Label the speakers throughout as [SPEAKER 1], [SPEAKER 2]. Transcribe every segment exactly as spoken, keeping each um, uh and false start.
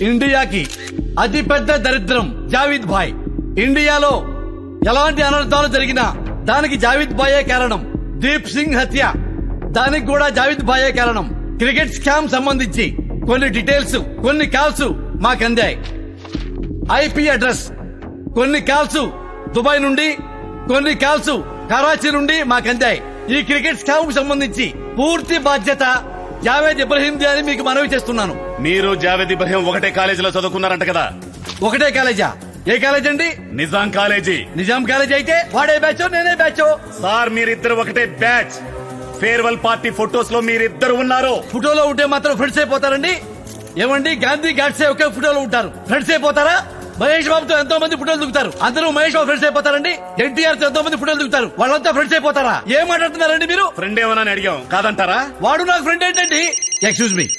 [SPEAKER 1] ఇండియాకి అతి పెద్ద దరిద్రం జావీద్ భాయ్. ఇండియాలో ఎలాంటి అనర్థాలు జరిగినా దానికి జావీద్ భాయే కారణం. దీప్ సింగ్ హత్య, దానికి కూడా జావీద్ భాయే కారణం. క్రికెట్ స్కామ్ సంబంధించి కొన్ని డీటెయిల్స్, కొన్ని కాల్స్ మాకు అందాయి. ఐపీ అడ్రస్, కొన్ని కాల్స్ దుబాయ్ నుండి, కొన్ని కాల్స్ కరాచీ నుండి మాకు అందాయి. ఈ క్రికెట్ స్కామ్ కు సంబంధించి పూర్తి బాధ్యత జావేద్ ఇబ్రహీం ది అని మీకు మనవి చేస్తున్నాను.
[SPEAKER 2] మీరు జావేద్ ఇబ్రహీం ఒకటే కాలేజీలో చదువుకున్నారంట కదా?
[SPEAKER 1] ఒకటే కాలేజా? ఏ కాలేజ్ అండి?
[SPEAKER 2] నిజాం కాలేజీ.
[SPEAKER 1] నిజాం కాలేజ్ అయితే వాడే బ్యాచో నేనే బ్యాచో?
[SPEAKER 2] సార్ మీరిద్దరు ఒకటే బ్యాచ్. ఫేర్వెల్ పార్టీ ఫొటోస్ లో మీరిద్దరు ఉన్నారు.
[SPEAKER 1] ఫోటోలో ఉంటే మాత్రం ఫ్రెండ్స్ అయిపోతారండి? ఏమండి, గాంధీ గాడ్సే ఒకే ఫోటోలో ఉంటారు, ఫ్రెండ్స్ అయిపోతారా? మహేష్ బాబుతో ఎంతో మంది ఫోటోలు దిగుతారు, అందరూ మహేష్ బాబు ఫ్రెండ్స్ అయిపోతారండి? ఎన్టీఆర్ తో ఎంతో మంది ఫోటోలు దిగుతారు, వాళ్ళంతా ఫ్రెండ్స్ అయిపోతారా? ఏం మాట్లాడుతున్నారండి మీరు?
[SPEAKER 2] ఫ్రెండ్ ఏమన్నా అడిగాం, కాదంటారా?
[SPEAKER 1] వాడు నాకు ఫ్రెండ్ ఏంటండి? ఎక్స్క్యూజ్ మీ,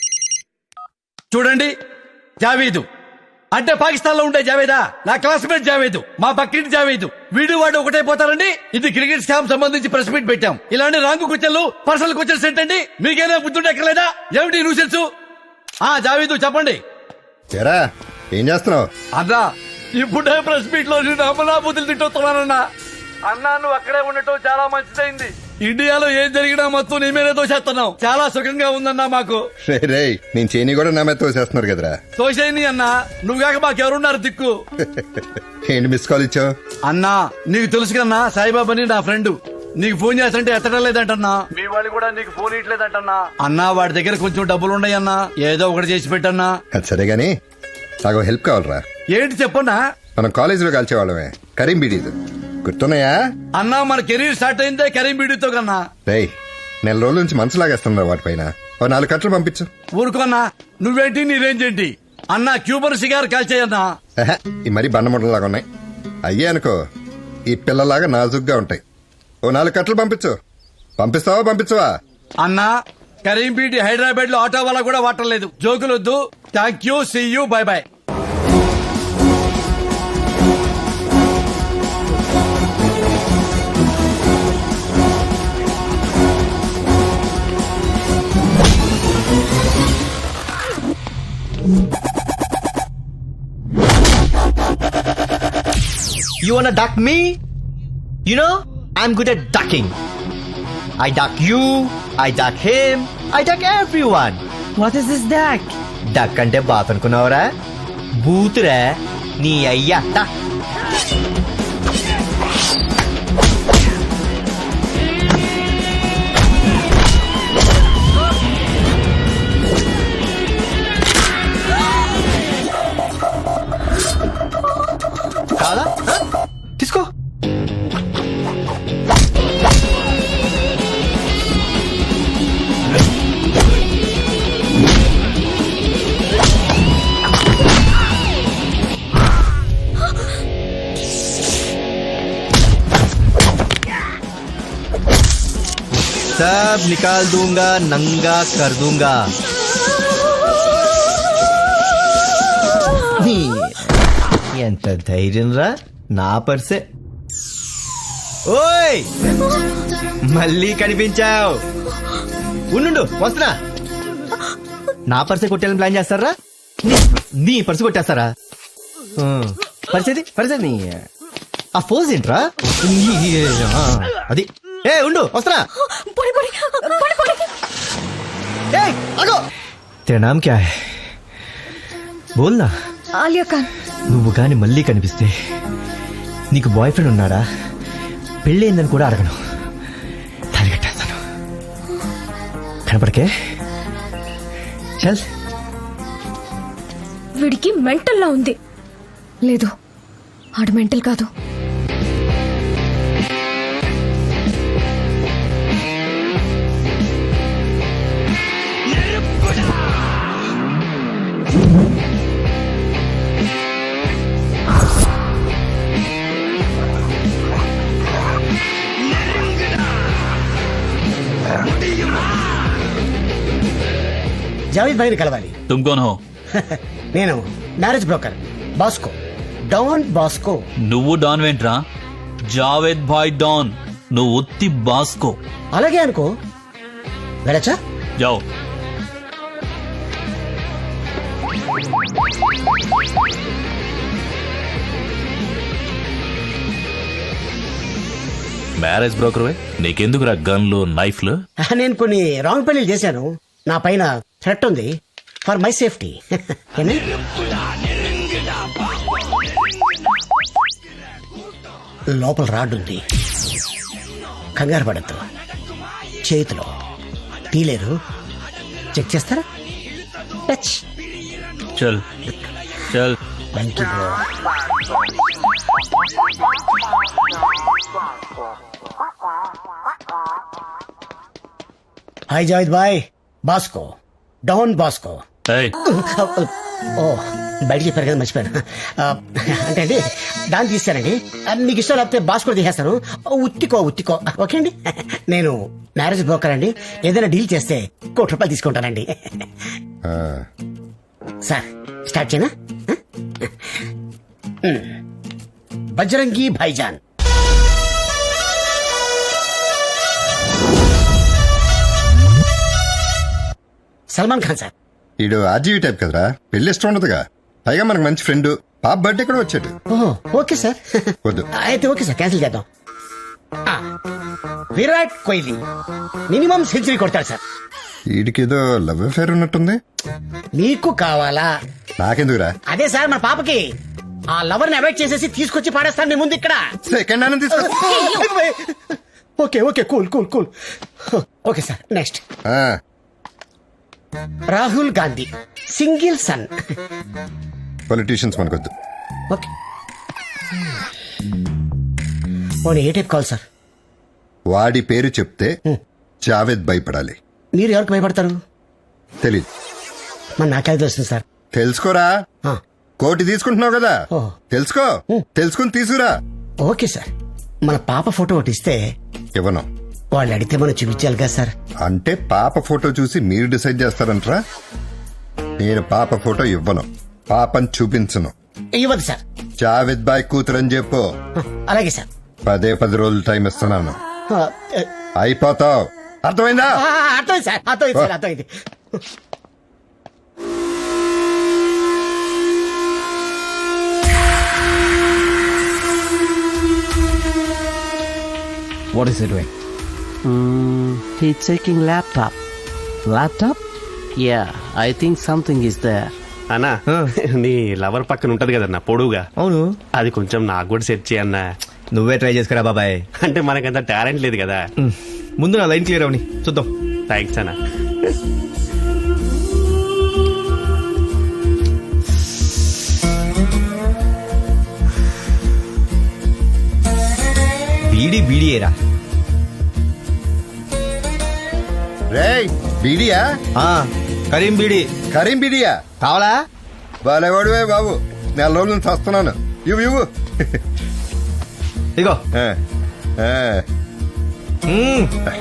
[SPEAKER 1] చూడండి, జావేదు అంటే పాకిస్తాన్ లో ఉండే జావేదా? నా క్లాస్మేట్ జావేదు, మా పక్కింటి జావేదు. వీడు వాడు ఒకటైపోతారండి? ఇది క్రికెట్ స్కామ్ సంబంధించి ప్రెస్ మీట్ పెట్టాం. ఇలాంటి రాంగు క్వశ్చన్లు, పర్సనల్ క్వశ్చన్స్ ఏంటండి? మీకేనా బుద్ధుంటే ఎక్కలేదా? ఏమిటి న్యూసెన్స్? ఆ జావేదు చెప్పండి.
[SPEAKER 3] ఏం చేస్తున్నావు
[SPEAKER 1] అన్నా? ఇప్పుడే ప్రెస్ మీట్ లో నేను అమ్మనా బుద్ధులు తిట్టొస్తున్నానన్నా. అన్నా నువ్వు అక్కడే ఉండటం చాలా మంచిదైంది. ఇండియాలో ఏం జరిగినా మొత్తం నీ మీదే తోసేస్తున్నావు. చాలా సుఖంగా ఉందన్నా మాకు.
[SPEAKER 3] రే నేను చేయని కూడా నా మీద తోసేస్తున్నారు కదరా.
[SPEAKER 1] తోసేని అన్నా, నువ్వు కాక మాకెవరున్నారు దిక్కు?
[SPEAKER 3] ఏంటి మిస్ కాల్ ఇచ్చావు?
[SPEAKER 1] అన్నా నీకు తెలుసు కన్నా, సాయిబాబాని నా ఫ్రెండ్. నీకు ఫోన్ చేస్తుంటే ఎత్తడం లేదంటన్నా. మీ వాళ్ళు కూడా నీకు ఫోన్ ఇట్లేదంటన్నా. అన్నా వాడి దగ్గర కొంచెం డబ్బులు ఉన్నాయి అన్నా, ఏదో ఒకటి చేసి పెట్టన్నా.
[SPEAKER 3] అది సరే గాని నాకు హెల్ప్ కావాలరా.
[SPEAKER 1] ఏంటి చెప్పన్నా?
[SPEAKER 3] మనం కాలేజీలో కలిసేవాళ్ళమే, కరీం బీడీతో గుర్తున్నాయా?
[SPEAKER 1] అన్నా మన కెరీర్ స్టార్ట్ అయిందే కరీం బీడీతో కన్నా.
[SPEAKER 3] రే నెల రోజుల నుంచి మనసు లాగేస్తున్నా వాటిపైన. ఓ నాలుగు కట్టలు పంపించు.
[SPEAKER 1] ఊరుకోన్నా, నువ్వేంటి నీ రేంజ్ ఏంటి? అన్నా క్యూబర్ సిగార్ కాల్చేయన్నా.
[SPEAKER 3] ఈ మరీ బండముడలాగా ఉన్నాయి. అయ్యే అనుకో ఈ పిల్లలాగా నాజుగ్గా ఉంటాయి. ఓ నాలుగు కట్టలు పంపించు. పంపిస్తావా పంపించవా?
[SPEAKER 1] అన్నా కరీం బీడీ హైదరాబాద్ లో ఆటో వల్ల కూడా వాటర్లేదు. జోకులొద్దు. Thank you, see you, bye bye.
[SPEAKER 4] You wanna duck me? You know, I'm good at ducking. I duck you, I duck him, I duck everyone.
[SPEAKER 5] What is this duck?
[SPEAKER 4] Duck అంటే బాత్ అనుకున్నావురా? బూతురా నీ అయ్యా. కాదా? తీసుకో. सब निकाल दूंगा, नंगा कर दूंगा. ఎంత ధైర్యం రా నా పర్సే. ఓయ్ మళ్ళీ కనిపించావు. ఉండు వస్తున్నా. నా పర్సే కొట్టేయాలని ప్లాన్ చేస్తారా? నీ పర్సు కొట్టేస్తారా? పరిచేది పరిచేది ఆ ఫోజ్ ఏంట్రా? అది ఏ ఉండు వస్తున్నా. तेरा नाम क्या है? बोलना.
[SPEAKER 5] आलिया खान.
[SPEAKER 4] నువ్వు గాని మళ్ళీ కనిపిస్తే నీకు బాయ్ ఫ్రెండ్ ఉన్నాడా, పెళ్ళయిందని కూడా అడగను, తాళి కట్టేస్తాను. కనపడకే. చల్.
[SPEAKER 5] వీడికి మెంటల్లా ఉంది. లేదు, ఆడు మెంటల్ కాదు.
[SPEAKER 6] జావేద్ భాయ్ ని కలవాలి.
[SPEAKER 7] तुम कौन हो?
[SPEAKER 6] నేను marriage broker Bosco, don Bosco.
[SPEAKER 7] నువ్వు డాన్ వెంట్రా? జావేద్ భాయ్ డాన్, నువ్వు ఉత్తి బాస్కో.
[SPEAKER 6] అలాగే అనుకో. వెళ్ళచ్చా?
[SPEAKER 7] जाओ. మ్యారేజ్ బ్రోకర్ నీకెందుకురా గన్లు నైఫ్లు?
[SPEAKER 6] నేను కొన్ని రాంగ్ పెళ్లి చేశాను. నా పైన థ్రెట్ ఉంది ఫర్ మై సేఫ్టీ. లోపల రాడ్ ఉంది. కంగారు పడద్దు. చేతిలో తీలేరు. చెక్ చేస్తారా? టచ్.
[SPEAKER 7] చల్ చల్.
[SPEAKER 6] Thank you bro. Hi Javed బాయ్. Bosco, don Bosco.
[SPEAKER 7] ఏయ్,
[SPEAKER 6] ఓ బయట చెప్పారు కదా, మర్చిపోయాను. ఆ, అంటే అండి దాన్ని తీస్తానండి. మీకు ఇష్టం లేకపోతే బాస్కో తీసేస్తాను. ఉత్తికో ఉత్తికో ఓకే అండి. నేను మ్యారేజ్ బ్రోకర్ అండి. ఏదైనా డీల్ చేస్తే కోటి రూపాయలు తీసుకుంటానండి.
[SPEAKER 3] ఆ,
[SPEAKER 6] సార్ స్టార్ట్ చేయనా? బజరంగి భాయిజాన్. సల్మాన్ ఖాన్ సార్.
[SPEAKER 3] ఈడు ఆర్జీవీ టైప్ కదరా, పెళ్లి ఇష్టం ఉండదుగా. పైగా మనకు మంచి ఫ్రెండ్, పాప బర్త్డే కూడా వచ్చాడు.
[SPEAKER 6] ఓహో ఓకే సార్.
[SPEAKER 3] వద్దు.
[SPEAKER 6] అయితే ఓకే సార్, క్యాన్సిల్ చేద్దాం. ఆ, విరాట్ కోహ్లీ మినిమం సెంచరీ కొడతాడు సార్.
[SPEAKER 3] వీడికేదో లవ్ అఫేర్ ఉన్నట్టుంది.
[SPEAKER 6] మీకు కావాలా?
[SPEAKER 3] నాకెందుకురా?
[SPEAKER 6] అదే సార్ మన పాపకి ఆ లవర్ ని అవాయిడ్ చేసేసి తీసుకొచ్చి పాడేస్తాను మీ ముందు ఇక్కడ.
[SPEAKER 3] సెకండ్ హ్యాండ్ తీసుకో.
[SPEAKER 6] Okay okay cool cool cool. Okay sir next.
[SPEAKER 3] ఆ,
[SPEAKER 6] Rahul Gandhi single son.
[SPEAKER 3] Politicians మనకొద్దు.
[SPEAKER 6] ఓకే పోనీ ఏ టైప్ కావాలి సార్?
[SPEAKER 3] వాడి పేరు చెప్తే జావేద్ భయపడాలి.
[SPEAKER 6] మీరు ఎవరికి భయపడతారు?
[SPEAKER 3] తెలీదు.
[SPEAKER 6] మరి నాకే తెలుస్తుంది సార్.
[SPEAKER 3] తెలుసుకోరా.
[SPEAKER 6] ఆ,
[SPEAKER 3] కోటి తీసుకుంటున్నావు కదా,
[SPEAKER 6] ఓ.
[SPEAKER 3] తెలుసుకో. తెలుసుకుని తీసుకురా.
[SPEAKER 6] Okay sir. మన పాప ఫోటో ఒకటి ఇస్తే
[SPEAKER 3] ఇవ్వను.
[SPEAKER 6] వాళ్ళు అడిగితే మనం చూపించాలి కదా సార్.
[SPEAKER 3] అంటే పాప ఫోటో చూసి మీరు డిసైడ్ చేస్తారంటరా? నేను పాప ఫోటో ఇవ్వను, పాపని చూపించను.
[SPEAKER 6] ఇవ్వదు సార్.
[SPEAKER 3] జావేద్ బాయ్ కూతురని చెప్పు.
[SPEAKER 6] ఆ, అలాగే సార్.
[SPEAKER 3] పదే పది రోజులు టైం ఇస్తున్నాను.
[SPEAKER 6] ఆ,
[SPEAKER 3] అయిపోతావు. అర్థమైందా?
[SPEAKER 6] ఆ, అర్థమైంది సార్, అర్థమైంది సార్, అర్థమైంది.
[SPEAKER 8] What is he doing?
[SPEAKER 9] Mm, he's checking laptop.
[SPEAKER 8] Laptop?
[SPEAKER 9] Yeah, I think something is there.
[SPEAKER 10] అన్నా నీ లవర్ పక్కన ఉంటది కదన్నా పొడుగా,
[SPEAKER 8] అవును.
[SPEAKER 10] అది కొంచెం నాకు కూడా సెట్ చేయన్నా.
[SPEAKER 8] నువ్వే ట్రై చేసుకురా బాబాయ్.
[SPEAKER 10] అంటే మనకంత టాలెంట్ లేదు కదా.
[SPEAKER 8] మ్, ముందు నా లైన్ క్లియర్ అవని చూద్దాం.
[SPEAKER 10] థ్యాంక్స్ అన్నా.
[SPEAKER 8] బీడీ బీడీయేరా.
[SPEAKER 3] రేయ్ బీడియా?
[SPEAKER 8] ఆ, కరీం బీడీ
[SPEAKER 3] కరీం బీడియా
[SPEAKER 8] కావాలా?
[SPEAKER 3] బాలేవాడువే బాబు, నెల రోజుల నుంచి వస్తున్నాను. ఇవ్వు ఇవ్వు.
[SPEAKER 8] ఇగో.
[SPEAKER 3] ఆ, ఆ.
[SPEAKER 8] మ్,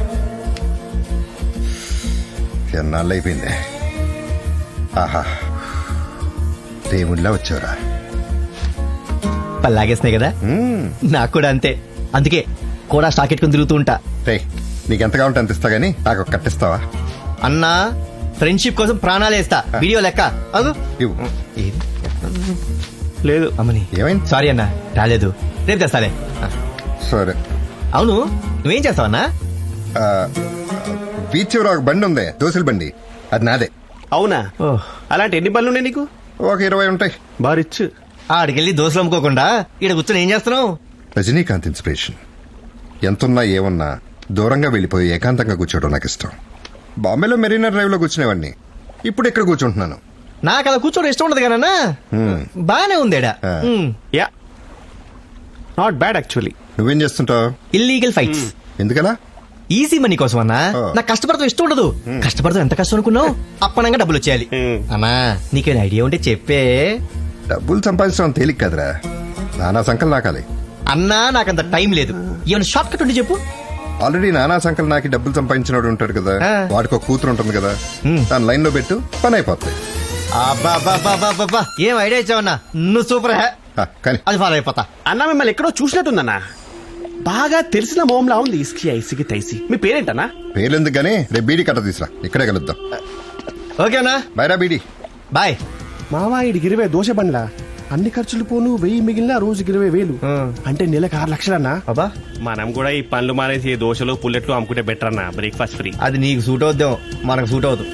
[SPEAKER 3] ఎన్నాళ్ళు అయిపోయింది. ఆహా, దేవుళ్ళ వచ్చావురా.
[SPEAKER 8] పల్లాగేస్తున్నాయి కదా,
[SPEAKER 3] మ్మ్.
[SPEAKER 8] నాకు కూడా అంతే. అందుకే కూడా స్టాక్ ఎట్టుకుని తిరుగుతూ ఉంటా.
[SPEAKER 3] రేయ్ నీకెంత కావాలంటే అంత ఇస్తా గానీ నాకు ఒక కట్టిస్తావా?
[SPEAKER 8] అన్నా ఫ్రెండ్షిప్ కోసం ప్రాణాలు వేస్తా. వీడియో లెక్క అదు.
[SPEAKER 3] ఇవ్వు.
[SPEAKER 8] ఏది?
[SPEAKER 10] లేదు
[SPEAKER 8] అమ్మని
[SPEAKER 3] ఏమైంది?
[SPEAKER 8] సారీ అన్నా, రాలేదు. రేపు తెస్తాలే.
[SPEAKER 3] సరే.
[SPEAKER 8] అవును, నువ్వేం చేస్తావన్నా?
[SPEAKER 3] ఆ, బీచ్ చివర ఒక బండి ఉంది, దోశల బండి, అది నాదే.
[SPEAKER 10] అవునా?
[SPEAKER 8] ఓహ్,
[SPEAKER 10] అలాంటి ఎన్ని పనులు ఉన్నాయి నీకు?
[SPEAKER 3] ఒక ఇరవై ఉంటాయి.
[SPEAKER 10] బారిచ్చు.
[SPEAKER 8] ఆడికెళ్ళి దోశలు అమ్ముకోకుండా ఇక్కడ కూర్చొని ఏం చేస్తున్నావు?
[SPEAKER 3] రజనీకాంత్ ఇన్స్పిరేషన్. ఎంతున్నా ఏమున్నా దూరంగా వెళ్ళిపోయి ఏకాంతంగా కూర్చోవడం నాకు ఇష్టం. బాంబేలో మెరీనా డ్రైవ్ లో కూర్చునేవాడిని, ఇప్పుడు ఇక్కడ కూర్చుంటున్నాను.
[SPEAKER 8] నాకు అలా కూర్చోవడం ఇష్టం ఉండదు కానన్నా.
[SPEAKER 3] హ్మ్.
[SPEAKER 8] బానే ఉందేడా.
[SPEAKER 3] ఆ.
[SPEAKER 10] Yeah, not bad actually.
[SPEAKER 3] నువ్వేం చేస్తుంటావు?
[SPEAKER 8] Illegal fights.
[SPEAKER 3] ఎందుకలా?
[SPEAKER 8] ఈజీ మనీ కోసం అన్నా.
[SPEAKER 3] ఆ.
[SPEAKER 8] నాకు కష్టపడతాం ఇష్టం ఉండదు. కష్టపడతాం ఎంత కష్టం అనుకున్నావు? అప్పనంగా డబ్బులు వచ్చేయాలి.
[SPEAKER 10] మ్.
[SPEAKER 8] అన్నా నీకేం ఐడియా ఉంటే చెప్పే.
[SPEAKER 3] డబ్బులు సంపాదించడం తేలిక కదరా, నానా సంకల్ నాకాలి.
[SPEAKER 8] అన్నా నాకంత టైం లేదు. ఏమైనా షార్ట్ కట్ ఉంటే చెప్పు.
[SPEAKER 3] ఆల్రెడీ నానా సంకల్ నాకి డబ్బులు సంపాదించినోడు ఉంటాడు కదా,
[SPEAKER 8] ఆ.
[SPEAKER 3] వాడికి ఒక కూతురు ఉంటుంది కదా,
[SPEAKER 8] హ్మ్.
[SPEAKER 3] దాని లైన్ లో పెట్టు, పని అయిపోతాయి.
[SPEAKER 8] అబ్బా ఏం ఐడియా ఇచ్చావన్నా, నువ్వు సూపర్ హే.
[SPEAKER 3] ఆ, కానీ
[SPEAKER 8] అది ఫాలో అయిపోతా.
[SPEAKER 10] అన్నా మిమ్మల్ని ఎక్కడో చూసినట్టుందన్నా, బాగా తెలిసిన మోమ్లా ఉంది. ఇస్కి ఐసికి తైసి. మీ పేరేంటన్నా?
[SPEAKER 3] పేర్లెందుకు గానీ రేపు బీడీ కట్ట తీసురా, ఇక్కడే కలుద్దాం.
[SPEAKER 8] ఓకే అన్నా,
[SPEAKER 3] బైరా బీడీ.
[SPEAKER 8] బాయ్.
[SPEAKER 10] మావా ఇడికి ఇరవై దోశ బండ్లా అన్ని ఖర్చులు పోను వెయ్యి మిగిలిన రోజుకి ఇరవై వేలు
[SPEAKER 8] ఆ.
[SPEAKER 10] అంటే నెలకు ఆరు లక్షలన్నా
[SPEAKER 8] అబ్బా
[SPEAKER 10] మనం కూడా ఈ పనులు మానేసి దోశలు పుల్లెట్లు అమ్ముకుంటే బెటర్ అన్న బ్రేక్ఫాస్ట్ ఫ్రీ.
[SPEAKER 8] అది నీకు సూట్ అవుద్దాం మనకు సూట్ అవుతుంది.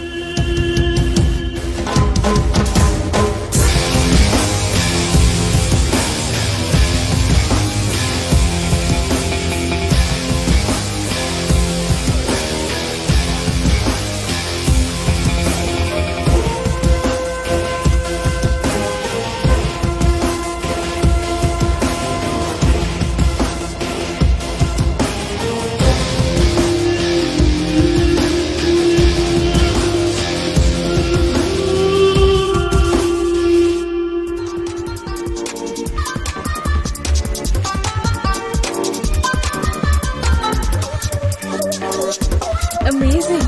[SPEAKER 5] అమేజింగ్.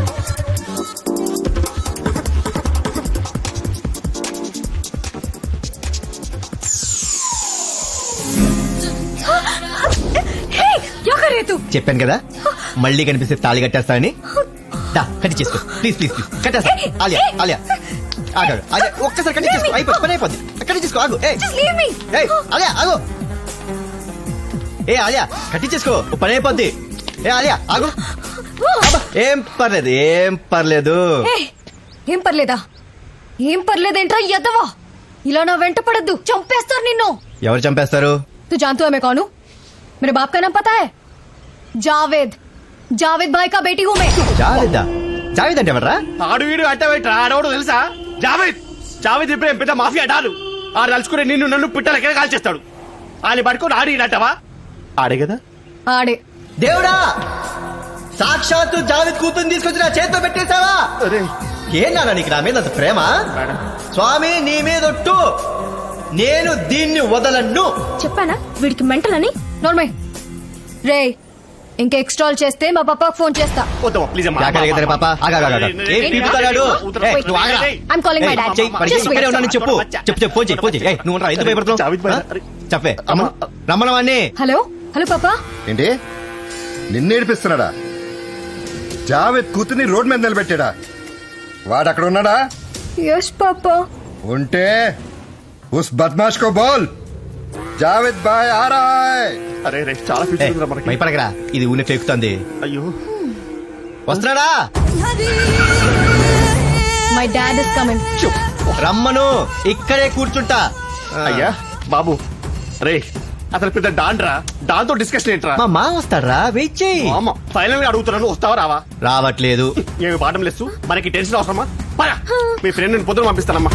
[SPEAKER 8] చెప్పాను కదా మళ్ళీ కనిపిస్తే తాళి కట్టేస్తానని. దా, కట్టి చేసుకో ప్లీజ్ ప్లీజ్ ప్లీజ్ కట్టేస్తా. ఆలియా ఆలియా ఆగాడు. ఆలియా ఒక్కసారి కట్టి చేసుకో అయిపోయి పని అయిపోద్ది. కట్టి చేసుకో ఆగు. ఏ ఏయ్, ఆలియా ఆగు. ఏ ఆలియా కట్టి చేసుకో పని అయిపోద్ది. ఏ ఆలియా ఆగు. అబ్బా, ఏం పర్లేదు ఏం పర్లేదు.
[SPEAKER 5] ఏం పర్లేదా? ఏం పర్లేదేంట్రా ఎదవా? ఇలా నా వెంట పడద్దు, చంపేస్తారు నిన్ను.
[SPEAKER 8] ఎవరు చంపేస్తారు?
[SPEAKER 5] तू जानती हो मैं कौन हूँ? मेरे बाप का नाम पता है? जावेद. जावेद भाई का बेटी हूँ मैं.
[SPEAKER 8] జావేదా? జావేద్ అంటే ఎవర్రా?
[SPEAKER 10] ఆడు వీడు అట్ట పెట్టరా ఆడవాడు తెలుసా? జావేద్ జావేద్ ఇప్పుడు పెద్ద మాఫియా డాలు. ఆడు తలుచుకునే నిన్ను నన్ను పిట్టల కింద కాల్చేస్తాడు. ఆయన పట్టుకుని ఆడినట్టవా? ఆడే కదా
[SPEAKER 5] ఆడే.
[SPEAKER 8] దేవుడా, సాక్షాత్తు జావేద్ కూతుర్ని తీసుకొచ్చి నా చేతిలో పెట్టేశావా? ఏంటన్నా నీకు నా మీద అంత ప్రేమ? స్వామి నీ మీద ఒట్టు, నేను దీన్ని వదలను.
[SPEAKER 5] చెప్పానా వీడికి మెంటల్ అని? నోర్మై రే, ఇంకా ఎక్స్ట్రాల్ చేస్తే మా పాపకు ఫోన్ చేస్తా.
[SPEAKER 10] వద్దామా ప్లీజ్ అమ్మా.
[SPEAKER 8] क्या करेगा तेरे पापा? आगा आगा आगा ए పీపుతాడు. ఏ నువ్వు ఆగరా.
[SPEAKER 5] I'm calling my dad.
[SPEAKER 8] చెయ్ మరి
[SPEAKER 5] Just wait.
[SPEAKER 8] ఇక్కడే ఉన్నాను చెప్పు. చెప్పు చెప్పు ఫోన్ చెయ్ ఫోన్ చెయ్. ఏయ్ నువ్వు ఉండరా ఎందుకు భయపడుతున్నావు?
[SPEAKER 10] జావేద్ భాయ్.
[SPEAKER 8] ఆ? చెప్పే రమ్మను రమ్మను వాణ్ణి.
[SPEAKER 5] హలో హలో పాపా.
[SPEAKER 3] ఏంటి నిన్నేడిపిస్తున్నాడా? జావేద్ కూతుర్ని రోడ్ మీద నిలబెట్టాడా? వాడు అక్కడ ఉన్నాడా?
[SPEAKER 5] యస్ పాపా.
[SPEAKER 3] ఉంటే ఉస్ బద్మాష్ కో బోల్ జావేద్ భాయ్ ఆ రహా హై.
[SPEAKER 10] అరే రే చాలా
[SPEAKER 8] ఏయ్,
[SPEAKER 10] ఫ్యూచర్ ఉందిరా మనకి.
[SPEAKER 8] భయపడకరా, ఇది ఊనే ఫేకుతుంది.
[SPEAKER 10] అయ్యో
[SPEAKER 8] వస్తున్నాడా?
[SPEAKER 5] My dad is coming.
[SPEAKER 8] రమ్మను, ఇక్కడే కూర్చుంటా.
[SPEAKER 10] అయ్యా బాబు రే అసలు పెద్ద డాన్ రా. డాన్ తో డిస్కషన్ ఏంట్రా?
[SPEAKER 8] మా మా వస్తాడ్రా, వెయిట్ చెయ్యి.
[SPEAKER 10] అమ్మ ఫైనల్ గా అడుగుతున్నాను, వస్తావా రావా?
[SPEAKER 8] రావట్లేదు.
[SPEAKER 10] ఏమి బాటం లేదు, మనకి టెన్షన్ అవసరమా? పరా మీ ఫ్రెండ్ నేను పొద్దున పంపిస్తానమ్మా.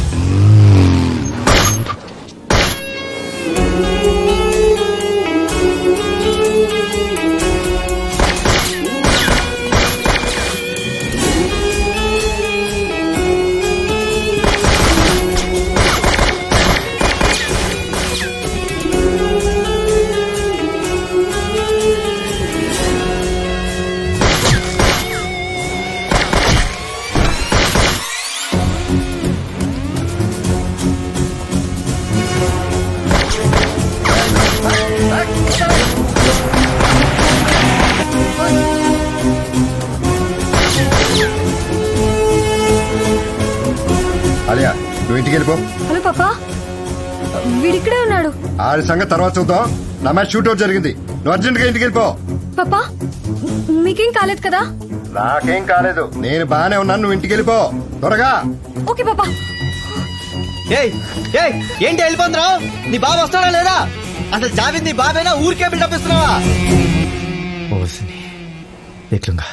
[SPEAKER 3] అలియా నువ్వు ఇంటికి వెళ్ళిపో.
[SPEAKER 5] హలో పాపా, వీడిక్కడే ఉన్నాడు.
[SPEAKER 3] ఆడి సంగతి తర్వాత చూద్దాం. నా మ్యాచ్ షూట్అవుట్ జరిగింది. నువ్వు అర్జెంట్ గా ఇంటికి వెళ్ళిపో.
[SPEAKER 5] పాపా మీకేం కాలేదు కదా?
[SPEAKER 3] నాకేం కాలేదు, నేను బానే ఉన్నాను. నువ్వు ఇంటికి వెళ్ళిపో త్వరగా.
[SPEAKER 5] ఓకే పాపా.
[SPEAKER 8] ఏయ్ ఏయ్ ఏంటి వెళ్ళిపోతున్నావు? నీ బాబు వస్తాడా లేదా? అసలు జావేద్ నీ బాబేనా? ఊరికే బిల్డప్ ఇస్తున్నావా? ఓ దేఖ్ లూంగా.